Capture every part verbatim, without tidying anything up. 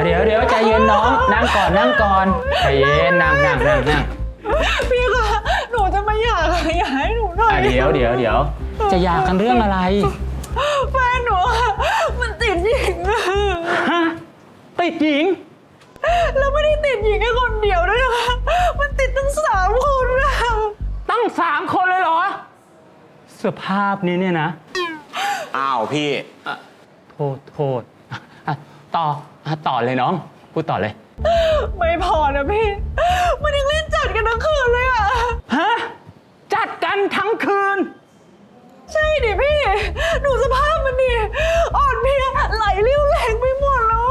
เดี๋ยวเดี๋ยวใจเย็นน้องนั่งก่อนนั่งก่อนใจเย็นนั่งนั่งนั่งนั่งพี่คะหนูจะมาหย่าค่ะอย่าให้หนูหน่อยเดี๋ยวเดี๋ยวเดี๋ยวจะหย่ากันเรื่องอะไรแฟนหนูมันติดหญิงฮะติดหญิงแล้วไม่ได้ติดหญิงแค่คนเดียวด้วยนะคะมันติดตั้งสามคนนะตั้งสามคนเลยเหรอสภาพนี้เนี่ยนะอ้าวพี่โทษโทษต่อต่อเลยน้องพูดต่อเลยไม่พอนะพี่มันยังเล่นจัดกันทั้งคืนเลยอะฮะจัดกันทั้งคืนใช่ดิพี่ดูสภาพมันดิอ่อนเพลียไหลเลี้ยวแรงไปหมดแล้ว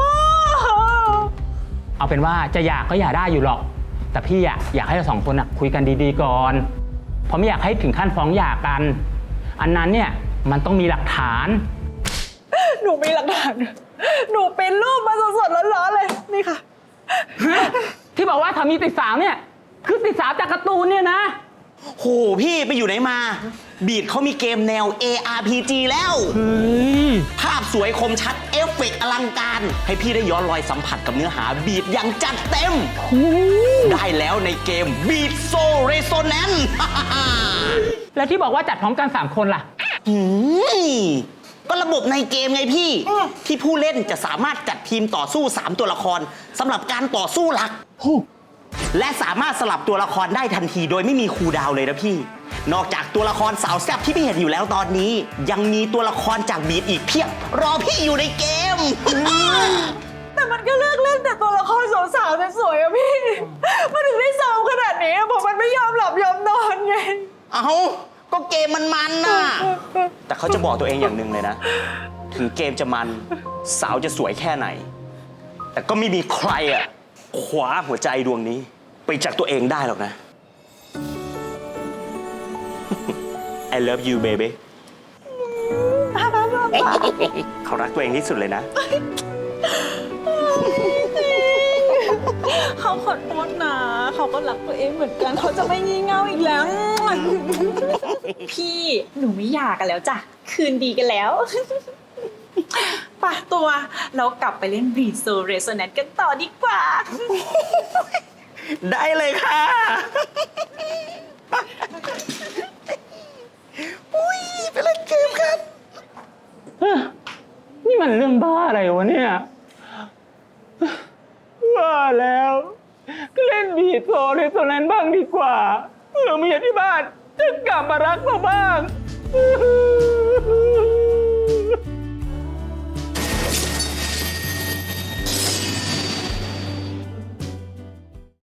เอาเป็นว่าจะอยากก็อยากได้อยู่หรอกแต่พี่อะอยากให้เราสองคนอะคุยกันดีๆก่อนเพราะไม่อยากให้ถึงขั้นฟ้องหย่ากันอันนั้นเนี่ยมันต้องมีหลักฐานหนูมีหลักฐานหนูเป็นรูปมาสดๆร้อนๆเลยนี่ค่ะที่บอกว่าทามีติดสาวเนี่ยคือติดสาวจากการ์ตูนเนี่ยนะโหพี่ไปอยู่ไหนมาบีดเขามีเกมแนว เอ อาร์ พี จี แล้วภาพสวยคมชัดเอฟเฟกต์อลังการให้พี่ได้ย้อนรอยสัมผัสกับเนื้อหาบีดอย่างจัดเต็มได้แล้วในเกม Beat So Resonance แล้วที่บอกว่าจัดพร้อมกันสามคนล่ะก็ระบบในเกมไงพี่ที่ผู้เล่นจะสามารถจัดทีมต่อสู้สามตัวละครสำหรับการต่อสู้หลักและสามารถสลับตัวละครได้ทันทีโดยไม่มีคูลดาวน์เลยนะพี่นอกจากตัวละครสาวแซ่บที่พี่เห็นอยู่แล้วตอนนี้ยังมีตัวละครจากบีดอีกเพียบรอพี่อยู่ในเกมแต่มันก็เลือกเล่นแต่ตัวละครสาวๆสวยๆอะพี่มันถึงได้ซ้อมขนาดนี้เพราะมันไม่ยอมหลับยอมนอนไงเอ้าก็เกมมันมันน่ะแต่เขาจะบอกตัวเองอย่างหนึ่งเลยนะถึงเกมจะมันสาวจะสวยแค่ไหนแต่ก็ไม่มีใครอะคว้าหัวใจดวงนี้ไปจากตัวเองได้หรอกนะ I love you baby เขารักตัวเองที่สุดเลยนะเขาขอโทษนะเขาก็รักตัวเองเหมือนกันเขาจะไม่งี่เง่าอีกแล้วพี่หนูไม่อยากกันแล้วจ้ะคืนดีกันแล้วป่ะตัวเรากลับไปเล่น Beat So Resonance กันต่อดีกว่าได้เลยค่ะอุ้ยไปเล่นเกมกันนี่มันเรื่องบ้าอะไรวะเนี่ยว่าแล้วก็เล่นบีทโซเรโซแนนซ์บ้างดีกว่าเผื่อเมียที่บ้านจะกลับมารักเราบ้าง